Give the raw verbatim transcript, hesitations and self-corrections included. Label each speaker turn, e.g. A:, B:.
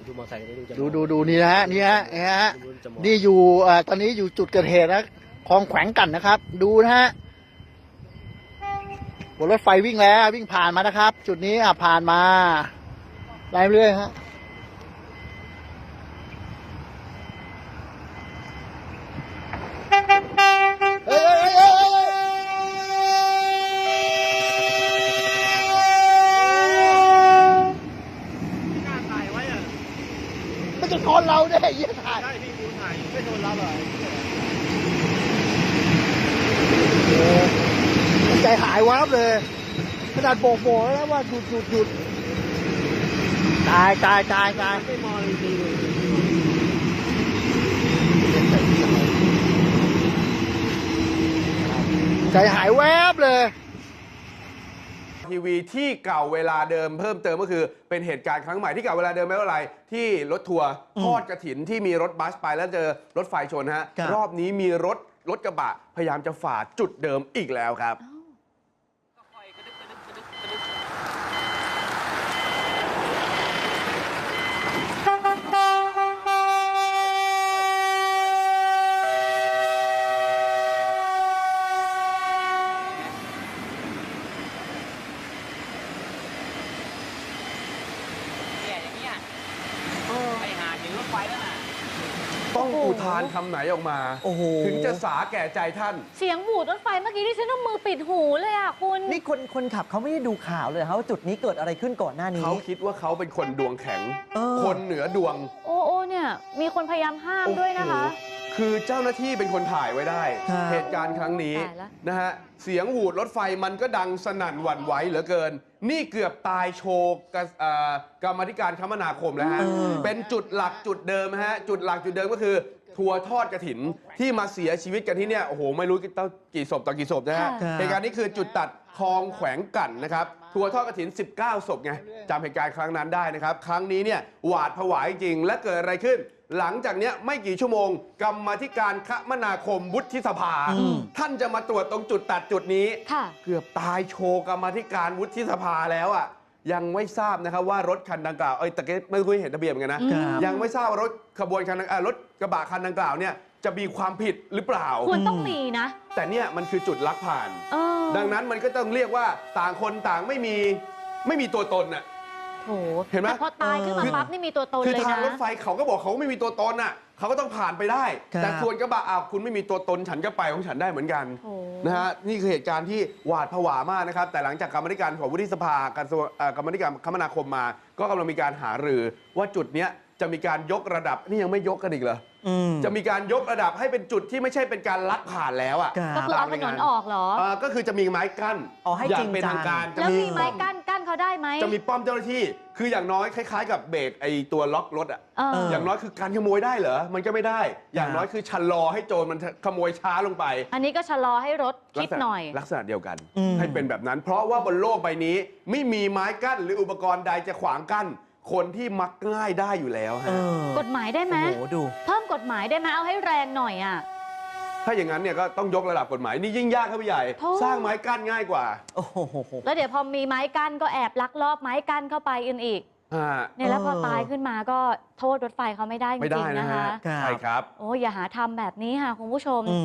A: ดูมอเตอร์ไซค์ดูจะ
B: ดูดูดูนี่นะฮะนี่ฮะนี่ฮะนี่อยู่อ่าตอนนี้อยู่จุดเกิดเหตุนะคลองแขวงกันนะครับ ดูนะฮะบนรถไฟวิ่งแล้ววิ่งผ่านมานะครับ จุดนี้อ่ะผ่านมาไล่เรื่อยฮะเฮ้ยเฮ้ยเฮ้ยเฮ้ยมันจะชนเราได้ยี่ถ่าย
A: ใช่พี่กูถ่ายไม่โดนรับเหรอ
B: ใจหายวับเลยขนาดโบกโบกแล้วว่าหยุดหยุดหยุดตายตายตายตาย
A: ไม่มองจริงๆ
B: ใจหายแวบเลย
C: ทีวีที่เก่าเวลาเดิมเพิ่มเติมก็คือเป็นเหตุการณ์ครั้งใหม่ที่เก่าเวลาเดิมไม่ว่าอะไรที่รถทัวร์ทอดกระถินที่มีรถบัสไปแล้วเจอรถไฟชนฮะรอบนี้มีรถรถกระบะพยายามจะฝ่าจุดเดิมอีกแล้วครับต้องอุทานคำไหนออกมาถึงจะสาแก่ใจท่าน
D: เสียงหวูดรถไฟเมื่อกี้ที่ฉันต้องมือปิดหูเลยอ่ะคุณ
E: นี่คนคนขับเขาไม่ได้ดูข่าวเลยครับว่าจุดนี้เกิดอะไรขึ้นก่อนหน้านี้
C: เขาคิดว่าเขาเป็นคนดวงแข็งคนเหนือดวง
D: โอ้โอ้เนี่ยมีคนพยายามห้ามด้วยนะคะ
C: คือเจ้าหน้าที่เป็นคนถ่ายไว้ได้เหตุการณ์ครั้งนี้นะฮะเสียงหวูดรถไฟมันก็ดังสนั่นหวั่นไหวเหลือเกินนี่เกือบตายโชว์กรรมธิการคมนาคมแล้วฮะเป็นจุดหลักจุดเดิมฮะจุดหลักจุดเดิมก็คือทัวร์ทอดกฐินที่มาเสียชีวิตกันที่เนี่ยโอ้โหไม่รู้กี่ศพต่อกี่ศพนะฮะเหตุการณ์นี้คือจุดตัดคลองแขวงกันนะครับทัวร์ทอดกฐินสิบเก้าศพไงจำเหตุการณ์ครั้งนั้นได้นะครับครั้งนี้เนี่ยหวาดผวาจริงและเกิดอะไรขึ้นหลังจากนี้ไม่กี่ชั่วโมงกรรมาธิการคมนาคมวุฒิสภาท่านจะมาตรวจตรงจุดตัดจุดนี้เกือบตายโชว์กรรมาธิการวุฒิสภาแล้วอ่ะยังไม่ทราบนะครับว่ารถคันดังกล่าวเอ้ยแต่ก็ไม่คุยเห็นทะเบียนเหมือนกันนะยังไม่ทราบว่ารถขบวนคันรถกระบะคันดังกล่าวเนี่ยจะมีความผิดหรือเปล่า
D: ควรต้องมีนะ
C: แต่เนี่ยมันคือจุดลักผ่านดังนั้นมันก็ต้องเรียกว่าต่างคนต่างไม่มีไม่มีตัวตนน่ะ
D: เห็นไหมพอตายขึ้นมาปั๊บนี่มีตัวตนเลยนะ
C: คือทางรถไฟเขาก็บอกเขาไม่มีตัวตนน่ะเขาก็ต้องผ่านไปได้แต่ส่วนกระบะอ้าวคุณไม่มีตัวตนฉันก็ไปของฉันได้เหมือนกันนะฮะนี่คือเหตุการณ์ที่หวาดผวามากนะครับแต่หลังจากกรรมธิการของวุฒิสภากระทรวงกรรมธิการคมนาคมมา ก็กำลังมีการหารือว่าจุดเนี้ยจะมีการยกระดับนี่ยังไม่ยกกันอีกเหรอจะมีการยกระดับให้เป็นจุดที่ไม่ใช่เป็นการลักผ่านแล้วอ่ะ
D: ก็คือเอาถนนออกเหรอ
C: ก็คือจะมีไม้กั้นอย่างเป็นทางการ
D: แล้วมีไม้กั้นกั้นเขาได้ไหม
C: จะมีป้อมเจ้าหน้าที่คืออย่างน้อยคล้ายๆกับเบรกไอตัวล็อกรถอ่ะอย่างน้อยคือการขโมยได้เหรอมันก็ไม่ได้อย่างน้อยคือชะลอให้โจรมันขโมยช้าลงไป
D: อันนี้ก็ชะลอให้รถคิดหน่อย
C: ลักษณะเดียวกันให้เป็นแบบนั้นเพราะว่าบนโลกใบนี้ไม่มีไม้กั้นหรืออุปกรณ์ใดจะขวางกั้นคนที่มักง่ายได้อยู่แล้วฮะ
D: กฎหมายได้ไหม
E: โอ้โหดู
D: เพิ่มกฎหมายได้ไหมเอาให้แรงหน่อยอ่ะ
C: ถ้าอย่างนั้นเนี่ยก็ต้องยกระดับกฎหมายนี่ยิ่งยากครับพี่ใหญ่สร้างไม้กั้นง่ายกว่า
E: โอ้โห
D: แล้วเดี๋ยวพอมีไม้กั้นก็แอบลักลอบไม้กั้นเข้าไปอื่นอีกเนี่ยแล้วพอตายขึ้นมาก็โทษรถไฟเขาไม่ได้จริงๆนะคะ
C: ใช่ครับ
D: โอ้อย่าหาทำแบบนี้ค่ะคุณผู้ชม